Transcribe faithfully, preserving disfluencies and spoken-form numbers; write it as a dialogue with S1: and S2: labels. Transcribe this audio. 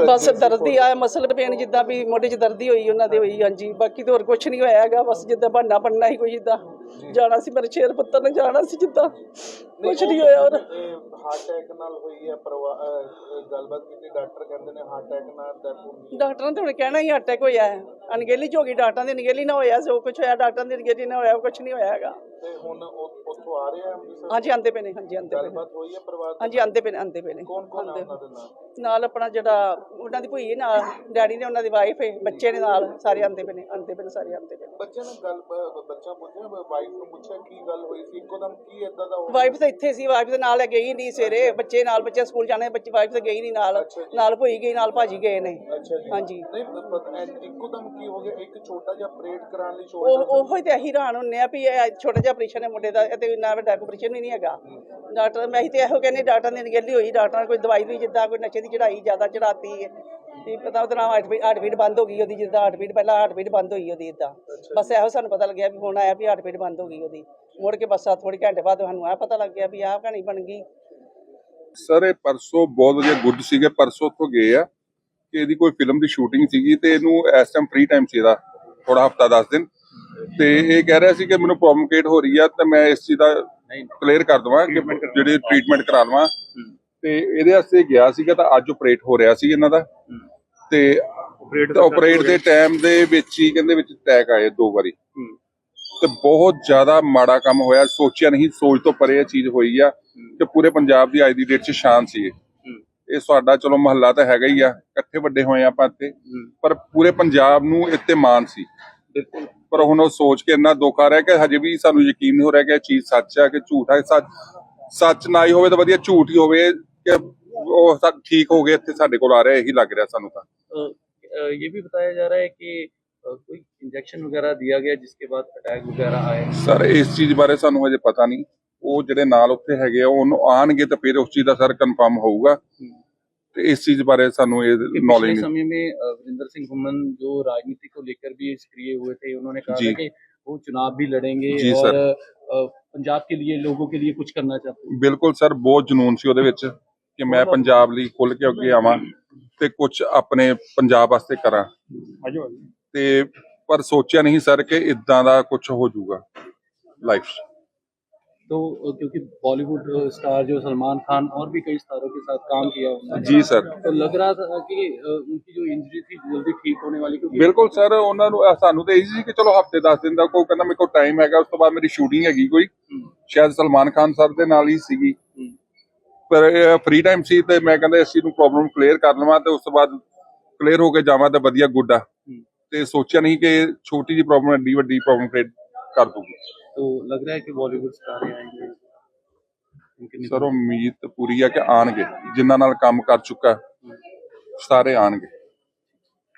S1: बस दर्द ही आया मसल पेन जिदा भी मोढे च दर्द ही हुई उन्होंने हुई। हाँ जी बाकी तो होर कुछ नहीं होया हैगा बस जिदा बहाना बनना ही कोई जिदा जाना सी मेरे शेर पुत्तर ने जाना सी जिदा कुछ नहीं होया। और
S2: हार्ट अटैक नाल होई है गलबात कीती डॉक्टर कहंदे ने हार्ट अटैक नाल डेथ होई।
S1: डॉक्टर ने तो हुण कहना ही अटैक होया है अनगेली च हो गई डॉक्टर दी अनगेली ना होया जो कुछ होया डॉक्टर दी अनगेली ना होया कुछ नहीं होया हैगा।
S2: ਤੇ ਹੁਣ ਉੱਥੋਂ ਆ ਰਹੇ ਆ ਅੰਮ੍ਰਿਤਸਰ।
S1: ਹਾਂਜੀ ਆਂਦੇ ਪਏ ਨੇ ਹਾਂਜੀ ਆਂਦੇ ਪਏ ਨੇ
S2: ਗੱਲਬਾਤ ਹੋਈ ਹੈ ਪਰਿਵਾਰ
S1: ਹਾਂਜੀ ਆਂਦੇ ਪਏ ਨੇ ਆਂਦੇ ਪਏ ਨੇ
S2: ਕੌਣ ਕੌਣ ਆ ਉਹਨਾਂ ਦੇ ਨਾਲ
S1: ਨਾਲ ਆਪਣਾ ਜਿਹੜਾ ਉਹਨਾਂ ਦੀ ਭੂਈ ਹੈ ਨਾਲ ਡੈਡੀ ਨੇ ਉਹਨਾਂ ਦੀ ਵਾਈਫ ਹੈ ਬੱਚੇ ਨੇ ਨਾਲ ਸਾਰੇ ਆਂਦੇ ਪਏ ਨੇ ਆਂਦੇ ਪਏ ਨੇ ਸਾਰੇ ਆਂਦੇ ਪਏ ਨੇ।
S2: ਬੱਚੇ ਨੇ ਗੱਲ ਬੱਚਾ ਪੁੱਛਿਆ ਵਾਈਫ ਨੂੰ ਪੁੱਛਿਆ ਕੀ ਗੱਲ ਹੋਈ ਸੀ ਇੱਕੋਦਮ ਕੀ ਇਦਾਂ ਦਾ
S1: ਵਾਈਫ ਤਾਂ ਇੱਥੇ ਸੀ ਵਾਈਫ ਦੇ ਨਾਲ ਗਈ ਨਹੀਂ ਸਵੇਰੇ ਬੱਚੇ ਨਾਲ ਬੱਚੇ ਸਕੂਲ ਜਾਣੇ ਬੱਚੇ ਵਾਈਫ ਤਾਂ ਗਈ ਨਹੀਂ ਨਾਲ ਨਾਲ ਭੂਈ ਗਈ ਨਾਲ ਭਾਜੀ ਗਏ ਨੇ। ਹਾਂਜੀ
S2: ਨਹੀਂ ਇੱਕੋਦਮ ਕੀ ਹੋ ਗਿਆ ਇੱਕ ਛੋਟਾ ਜਿਹਾ ਆਪਰੇਟ ਕਰਾਉਣ ਲਈ
S1: ਉਹ ਉਹੋ ਹੀ ਤੇ ਅਸੀਂ ਹੈਰਾਨ ਹੁੰਨੇ ਆ ਵੀ ਇਹ ਛੋਟਾ ਜਿਹਾ ਆਪਰੇਸ਼ਨ ਹੈ ਮੁੰਡੇ ਦਾ ਤੇ ਇੰਨਾ ਵੱਡਾ ਆਪਰੇਸ਼ਨ ਵੀ ਨਹੀਂ ਹੈਗਾ। ਡਾਕਟਰ ਮੈਂ ਤੇ ਇਹੋ ਕਹਿੰਦੀ ਡਾਕਟਰ ਨੇ ਅਣਗਹਿਲੀ ਹੋਈ ਡਾਕਟਰ ਨੇ ਕੋਈ ਦਵਾਈ ਵੀ ਜਿੱਦਾਂ ਕੋਈ ਨਸ਼ੇ ਦੀ ਚੜਾਈ ਜ਼ਿਆਦਾ ਚੜਾਤੀ ਹੈ ਤੇ ਪਤਾ ਉਹਦਾ ਨਾਮ ਹਾਰਟ ਬੀਟ ਬੰਦ ਹੋ ਗਈ ਉਹਦੀ ਜਿੱਦਾਂ ਹਾਰਟ ਬੀਟ ਪਹਿਲਾਂ ਹਾਰਟ ਬੀਟ ਬੰਦ ਹੋਈ ਉਹਦੀ ਇੱਦਾਂ ਬਸ ਇਹੋ ਸਾਨੂੰ ਪਤਾ ਲੱਗਿਆ ਵੀ ਹੁਣ ਆਇਆ ਵੀ ਹਾਰਟ ਬੀਟ ਬੰਦ ਹੋ ਗਈ ਉਹਦੀ ਮੁੜ ਕੇ ਬਸ ਥੋੜੀ ਘੰਟੇ ਬਾਅਦ ਸਾਨੂੰ ਇਹ ਪਤਾ ਲੱਗ ਗਿਆ ਵੀ ਆਹ ਕਹਾਣੀ ਬਣ ਗਈ।
S3: ਸਰ ਇਹ ਪਰਸੋਂ ਬਹੁਤ ਵਧੀਆ ਗੁੱਡ ਸੀਗੇ ਪਰਸੋਂ ਤੋਂ ਗਏ ਆ ਕਿ ਇਹਦੀ ਕੋਈ ਫਿਲਮ ਦੀ ਸ਼ੂਟਿੰਗ ਸੀਗੀ ਤੇ ਇਹਨੂੰ ਇਸ ਟਾਈਮ ਫ੍ਰੀ ਟਾਈਮ ਸੀ ਇਹਦਾ ਥੋੜਾ ਹਫਤਾ ਦਸ ਦਿਨ ਤੇ ਇਹ ਕਹਿ ਰਿਹਾ ਸੀ ਕਿ ਮੈਨੂੰ ਪ੍ਰੋਬਲਮ ਕ੍ਰੀਏਟ ਹੋ ਰਹੀ ਆ ਤੇ ਮੈਂ ਇਸ ਚੀਜ਼ ਦਾ ਕਲੀਅਰ ਕਰ ਦਵਾਂ ਕਿ ਜਿਹੜੇ ਟ੍ਰੀਟਮੈਂਟ ਕਰਾ ਲਵਾਂ ਤੇ ਇਹਦੇ ਵਾਸਤੇ ਗਿਆ ਸੀਗਾ ਤਾਂ ਅੱਜ ਆਪਰੇਟ ਹੋ ਰਿਹਾ ਸੀ ਇਹਨਾਂ ਦਾ ਤੇ ਆਪਰੇਟ ਦੇ ਟਾਈਮ ਦੇ ਵਿੱਚ ਹੀ ਕਹਿੰਦੇ ਵਿੱਚ ਅਟੈਕ ਆਏ ਦੋ ਵਾਰੀ ਤੇ ਬਹੁਤ ਜ਼ਿਆਦਾ ਮਾੜਾ ਕੰਮ ਹੋਇਆ ਸੋਚਿਆ ਨਹੀਂ ਸੋਚ ਤੋਂ ਪਰੇ ਇਹ ਚੀਜ਼ ਹੋਈ ਆ ਕਿ ਪੂਰੇ ਪੰਜਾਬ ਦੀ ਅੱਜ ਦੀ ਡੇਟ 'ਚ ਸ਼ਾਨ ਸੀ ਇਹ ਸਾਡਾ ਚਲੋ ਮਹੱਲਾ ਤਾਂ ਹੈਗਾ ਹੀ ਆ ਇਕੱਠੇ ਵੱਡੇ ਹੋਏ ਆਪਾਂ ਇੱਥੇ ਪਰ ਪੂਰੇ ਪੰਜਾਬ ਨੂੰ ਇੱਥੇ ਮਾਣ ਸੀ ਪਰ ਹੁਣ ਉਹ ਸੋਚ ਕੇ ਇੰਨਾ ਦੁੱਖ ਆ ਰਿਹਾ ਕਿ ਹਜੇ ਵੀ ਸਾਨੂੰ ਯਕੀਨ ਨਹੀਂ ਹੋ ਰਿਹਾ ਕਿ ਇਹ ਚੀਜ਼ ਸੱਚ ਆ ਕਿ ਝੂਠ ਹੈ। ਸੱਚ ਸੱਚ ਨਾ ਹੀ ਹੋਵੇ ਤਾਂ ਵਧੀਆ ਝੂਠ ਹੀ ਹੋਵੇ ਕਿ ਉਹ ਸਭ ਠੀਕ ਹੋ ਗਏ ਇੱਥੇ ਸਾਡੇ ਕੋਲ ਆ ਰਿਹਾ ਇਹੀ ਲੱਗ ਰਿਹਾ ਸਾਨੂੰ ਤਾਂ।
S4: ये भी बताया जा रहा है कि कोई इंजेक्शन वगैरह दिया गया जिसके बाद अटैक वगैरह आए।
S3: सर इस चीज बारे ਸਾਨੂੰ ਹਜੇ ਪਤਾ ਨਹੀਂ ਉਹ ਜਿਹੜੇ ਨਾਲ ਉੱਥੇ ਹੈਗੇ ਆ ਉਹਨੂੰ ਆਣਗੇ ਤਾਂ ਫਿਰ ਉਸ ਚੀਜ਼ ਦਾ ਸਰ ਕਨਫਰਮ ਹੋਊਗਾ ਤੇ ਇਸ ਚੀਜ਼ ਬਾਰੇ ਸਾਨੂੰ ਇਹ नॉलेज नहीं।
S4: समय में वीरेंद्र सिंह हुमन जो राजनीति को लेकर भी सक्रिय हुए थे उन्होंने कहा था कि वो चुनाव भी लड़ेंगे और पंजाब के लिए लोगों के लिए कुछ करना चाहते हैं।
S3: बिल्कुल सर बहुत जुनून सी ਉਹਦੇ ਵਿੱਚ ਕਿ ਮੈਂ ਪੰਜਾਬ ਲਈ ਖੁੱਲ ਕੇ ਅੱਗੇ ਆਵਾਂ ਤੇ ਕੁਝ ਆਪਣੇ ਪੰਜਾਬ ਵਾਸਤੇ ਕਰਾਂ ਤੇ ਪਰ ਸੋਚਿਆ ਨਹੀਂ ਸਰ ਕਿ ਇਦਾਂ ਦਾ ਕੁਝ ਹੋ ਜਾਊਗਾ ਲਾਈਫ 'ਚ।
S4: तो क्योंकि बॉलीवुड स्टार जो सलमान खान और भी कई स्टारों के साथ काम किया उन्होंने
S3: जी सर
S4: तो लग रहा था कि उनकी जो इंजरी थी जल्दी ठीक होने वाली।
S3: बिल्कुल सर ਉਹਨਾਂ ਨੂੰ ਸਾਨੂੰ ਤਾਂ ਇਹੀ ਸੀ ਕਿ ਚਲੋ ਹਫਤੇ ਦਸ ਦਿਨ ਦਾ ਕੋਈ ਕਹਿੰਦਾ ਮੇਰੇ ਕੋਲ ਟਾਈਮ ਹੈਗਾ ਉਸ ਤੋਂ ਬਾਅਦ ਮੇਰੀ ਸ਼ੂਟਿੰਗ ਹੈਗੀ ਕੋਈ ਸ਼ਾਇਦ ਸਲਮਾਨ ਖਾਨ ਸਰ ਦੇ ਨਾਲ ਹੀ ਸੀਗੀ ਪਰ ਫ੍ਰੀ ਟਾਈਮ ਸੀ ਤੇ ਮੈਂ ਕਹਿੰਦਾ ਇਸ ਚੀਜ਼ ਨੂੰ ਪ੍ਰੋਬਲਮ ਕਲੀਅਰ ਕਰ ਲਵਾਂ ਤੇ ਉਸ ਤੋਂ ਬਾਅਦ ਕਲੀਅਰ ਹੋ ਕੇ ਜਾਵਾਂ ਤਾਂ ਵਧੀਆ ਗੁੱਡ ਆ ਤੇ ਸੋਚਿਆ ਨਹੀਂ ਕਿ ਛੋਟੀ ਜਿਹੀ ਪ੍ਰੋਬਲਮ ਐਡੀ ਵੱਡੀ ਪ੍ਰੋਬਲਮ ਕ੍ਰੀਏਟ ਕਰ ਦੂਗੀ।
S4: तो लग रहा है कि बॉलीवुड स्टार आएंगे
S3: सर उम्मीद पूरी है कि आएंगे जिन्हां नाल काम कर चुका सारे आएंगे।